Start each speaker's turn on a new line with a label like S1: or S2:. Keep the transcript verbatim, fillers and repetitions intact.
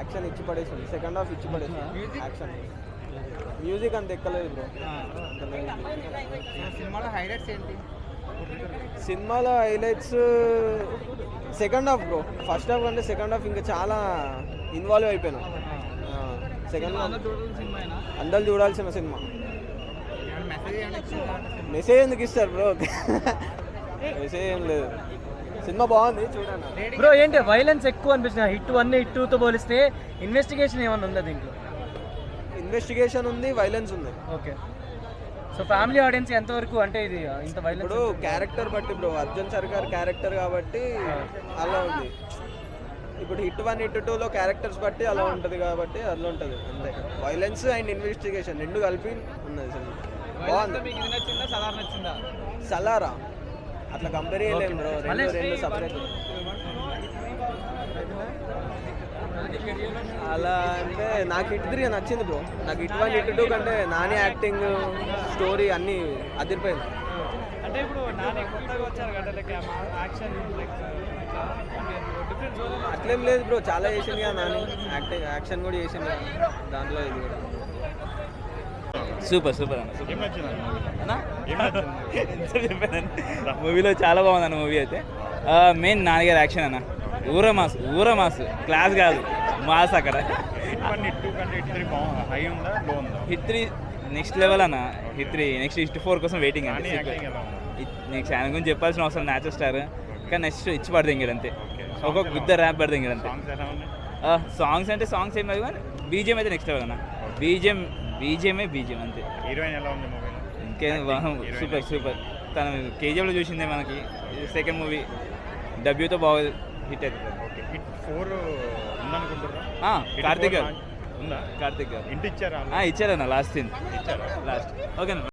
S1: Action ఇచ్చి పడేసింది, second half ఇచ్చి పడేసింది. యాక్షన్ మ్యూజిక్ అంత ఎక్కలేదు బ్రో.
S2: సినిమాలో హైలైట్స్ ఏంటి?
S1: సినిమాలో highlights second half bro. First half అంటే సెకండ్ హాఫ్ ఇంకా చాలా ఇన్వాల్వ్ అయిపోయినాం. సెకండ్ హాఫ్ అందరు చూడాల్సిన సినిమా. మెసేజ్ ఎందుకు ఇస్తారు బ్రో? మెసేజ్ ఏం లేదు, సినిమా బాగుంది చూడండి
S3: బ్రో. ఏంటి వైలెన్స్ ఎక్కువ అనిపించిన హిట్ వన్ హిట్ టూతో పోలిస్తే? ఇన్వెస్టిగేషన్ ఏమన్నా ఉందా దీంట్లో?
S1: ఇన్వెస్టిగేషన్ ఉంది, వైలెన్స్ ఉంది.
S3: ఓకే. సో ఫ్యామిలీ ఆడియన్స్ ఎంతవరకు అంటే ఇది ఇంత వైలెన్స్?
S1: ఇప్పుడు క్యారెక్టర్ బట్టి బ్రో, అర్జున్ సర్కార్ క్యారెక్టర్ కాబట్టి అలా ఉంది. ఇప్పుడు హిట్ వన్ హిట్ టూలో క్యారెక్టర్స్ బట్టి అలా ఉంటుంది కాబట్టి అలా ఉంటుంది అంతే. వైలెన్స్ అండ్ ఇన్వెస్టిగేషన్ రెండు కలిపి ఉన్నది సినిమా. బాగుంది. సలారా అట్లా కంపేర్ చేయలేము బ్రో, రెండు రెండు సపరేట్. అలా అంటే నాకు హిట్ త్రీ నచ్చింది బ్రో. నాకు హిట్ వన్ హిట్ టూ కంటే నాని యాక్టింగ్, స్టోరీ అన్నీ అదిరిపోయింది.
S3: అంటే ఇప్పుడు నాని కొత్తగా వచ్చారు కదా, లైక్ యాక్షన్ లైక్
S1: అట్లేం లేదు బ్రో, చాలా చేసింది కదా నాని. యాక్టింగ్ యాక్షన్ కూడా చేసింది కదా దాంట్లో, ఇది కూడా
S4: సూపర్ సూపర్ అన్న. మూవీలో చాలా బాగుంది అన్న. మూవీ అయితే మెయిన్ నాన్నగారు యాక్షన్ అన్న, ఊర మాస్ ఊర మాస్ క్లాస్ కాదు మాస్ అక్కడ. హిట్ త్రీ నెక్స్ట్ లెవెల్ అన్న. Hit three next hit four కోసం వెయిటింగ్ అండి. నెక్స్ట్ ఆయన గురించి చెప్పాల్సిన అవసరం, న్యాచురల్ స్టార్. కానీ నెక్స్ట్ ఇచ్చి పడదు ఇంక అంతే, ఒక్కొక్క గుద్ద ర్యాప్ పడదు ఇంక అంతే. సాంగ్స్ అంటే సాంగ్స్ ఏం కాదు కానీ బీజిఎం అయితే నెక్స్ట్ లెవెల్ అన్న. బీజిఎం బీజిఎంఏ బీజిఎం అంతే.
S5: హీరోయిన్ ఎలా ఉంది?
S4: ఇంకేం సూపర్ సూపర్. తను కేజీఎఫ్లో చూసిందే మనకి. సెకండ్ మూవీ డబ్యూతో బాగా హిట్ అవుతుంది.
S5: Hit four ఉందనుకుంటున్నా.
S4: కార్తిక్ గారు
S5: ఉందా?
S4: కార్తిక్ గారు
S5: ఇంటి ఇచ్చారా?
S4: ఇచ్చారన్న లాస్ట్ సీన్
S5: ఇచ్చారా?
S4: లాస్ట్. ఓకేనా.